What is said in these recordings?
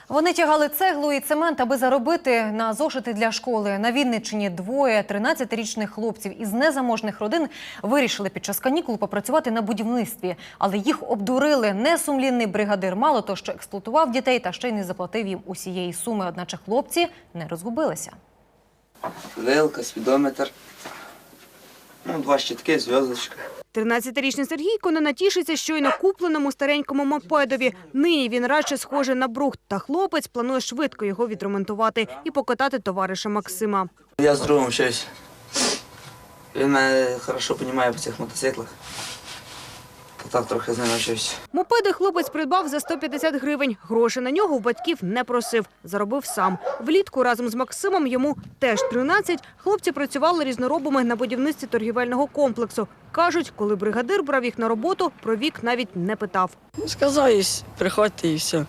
Вони тягали цеглу і цемент, аби заробити на зошити для школи. На Вінниччині двоє 13-річних хлопців із незаможних родин вирішили під час канікул попрацювати на будівництві. Але їх обдурили. Несумлінний бригадир мало то, що експлуатував дітей, та ще й не заплатив їм усієї суми. Одначе хлопці не розгубилися. Вилка, спідометр, 2 щітки, зв'язочка. 13-річний Сергійко не натішиться щойно купленому старенькому мопедові. Нині він радше схожий на брухт, та хлопець планує швидко його відремонтувати і покатати товариша Максима. Я з другом вчусь. Він мене добре розуміє по цих мотоциклах. Так трохи з ним навчився. Мопеди хлопець придбав за 150 гривень. Гроші на нього у батьків не просив, заробив сам. Влітку разом з Максимом, йому теж 13, хлопці працювали різноробами на будівництві торгівельного комплексу. Кажуть, коли бригадир брав їх на роботу, про вік навіть не питав. Сказав, приходьте і все.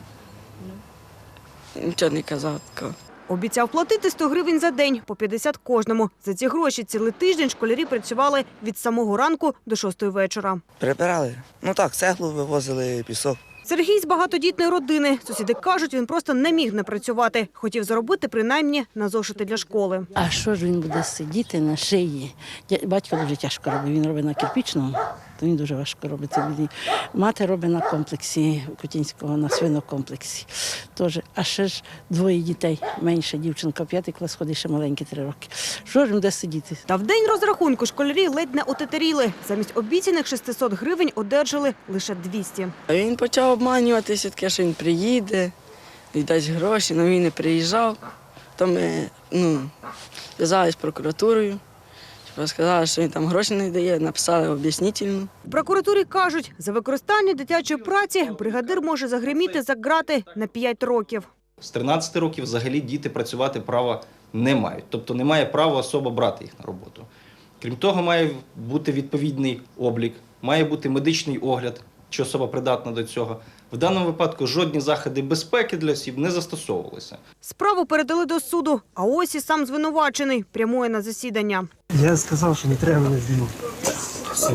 Нічого не казав такого. Обіцяв платити 100 гривень за день, по 50 кожному. За ці гроші цілий тиждень школярі працювали від самого ранку до 6 вечора. Прибирали. Цеглу вивозили, пісок. Сергій з багатодітної родини. Сусіди кажуть, він просто не міг не працювати. Хотів заробити принаймні на зошити для школи. А що ж він буде сидіти на шиї? Батько дуже тяжко робить. Він робить на кирпічному, то він дуже важко робить. Мати робить на комплексі Кутінського, на свинокомплексі. Тож, а ще ж двоє дітей. Менша дівчинка, 5 клас ходить, ще маленький 3 роки. Що ж він буде сидіти? Та в день розрахунку школярі ледь не отетеріли. Замість обіцяних 600 гривень одержали лише 200. А він почав обманюватися, таке, що він приїде, віддасть гроші, але він не приїжджав. То ми зв'язалися з прокуратурою, сказали, що він там гроші не дає, написали об'яснительну. В прокуратурі кажуть, за використання дитячої праці бригадир може загриміти за ґрати на 5 років. З 13 років взагалі діти працювати права не мають. Тобто немає права особа брати їх на роботу. Крім того, має бути відповідний облік, має бути медичний огляд, чи особа придатна до цього. В даному випадку жодні заходи безпеки для осіб не застосовувалися. Справу передали до суду, а ось і сам звинувачений прямує на засідання. Я сказав, що не треба мене знімати. Все.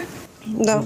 Да.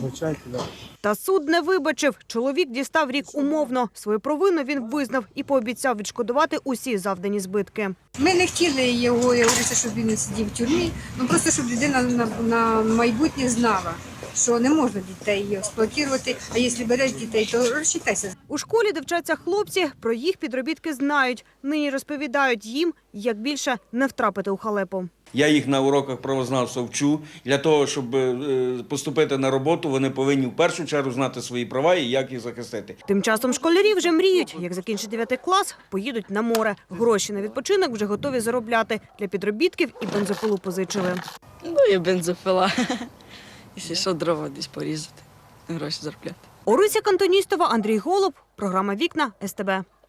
Та суд не вибачив. Чоловік дістав рік умовно. Свою провину він визнав і пообіцяв відшкодувати усі завдані збитки. Ми не хотіли його, щоб він не сидів в тюрмі, просто щоб людина на майбутнє знала, що не можна дітей експлуатувати, а якщо береш дітей, то розчитайся. У школі, де вчаться хлопці, про їх підробітки знають. Нині розповідають їм, як більше не втрапити у халепу. Я їх на уроках правознавства вчу. Для того, щоб поступити на роботу, вони повинні в першу чергу знати свої права і як їх захистити. Тим часом школярі вже мріють, як закінчать 9 клас, поїдуть на море. Гроші на відпочинок вже готові заробляти. Для підробітків і бензопилу позичили. І бензопила. Якщо що, дрова десь порізати, гроші заробляти. Орися Кантоністова, Андрій Голуб, програма «Вікна», СТБ.